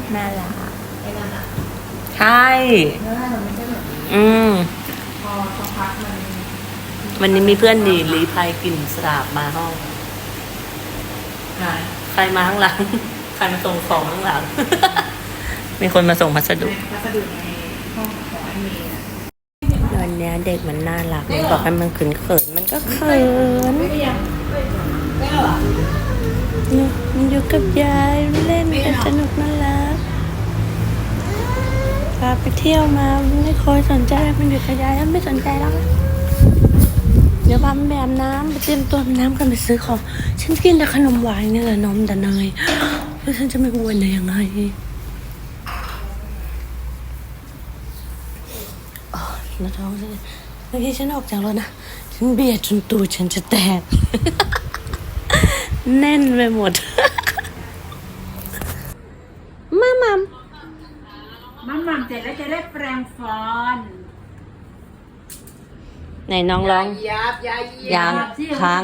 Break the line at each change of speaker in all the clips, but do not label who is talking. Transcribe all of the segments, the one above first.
น่ารัก
ไอ้นั่นอ่ะ
ใช่
แล้วมันไม่ใช่แบบพอสักพัก
วันนี้มีเพื่อนดีรีภัยกลิ่นสาบมาห้องใครมาข้างหลัง ใครมาส่งของข้างหลัง มีคนมาส่งพัสดุ
ในห้องของไอ้เมย์
วันนี้เด็กมันน่ารักมันบอกให้มันเขินมันก็เขิน
ไม่หรอ
มันอยู่กับยายเล่นกันสนุกน่ารักพาไปเที่ยวมาไม่ค่อยสนใจมันอยู่กับยายแล้วไม่สนใจแล้วเดี๋ยวพามันไปอาบน้ำไปเตรียมตัวอาบน้ำกันไปซื้อของฉันกินแต่ขนมหวานนี่แหละนมแต่เนยแล้วฉันจะไม่อ้วนได้ยังไงแล้วท้องฉันเมื่อกี้ฉันออกจากรถนะฉันเบียดจนตัวฉันจะแตก แน่นไปหมด มามัม
เสร็จแล้วจะได้แปรงฟัน
ไหนน้องร้องยังพัง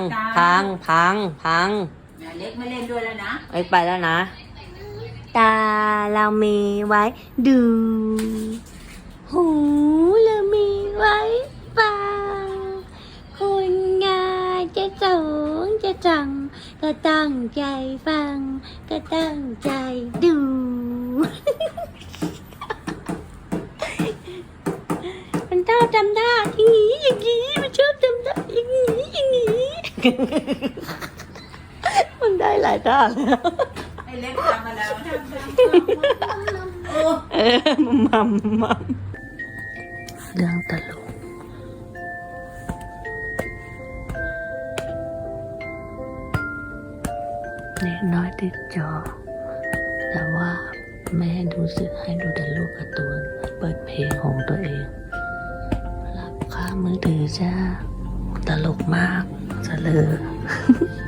เล็กไม่เล่นด้วยแล้วนะ
ไปแล้วนะตาเรามีไว้ดูหูเรามีไว้ฟังคุณงาจะสูงจะจังก็ตั้งใจฟังก็ตั้งใจดู มันชอบจำได้อย่างนี้มันชอบจำได้อย่างนี้ มันได้หลายท่าแล้ว
ไอ้เล็กทำมาแล้ว
มัมเรื่องตลกเด็กน้อยติดจอแต่ว่าแม่ดูสึกให้ดูแต่ลูกการ์ตูนเปิดเพลงของตัวเองรับค่ามือถือจ้าตลกมากเสลอ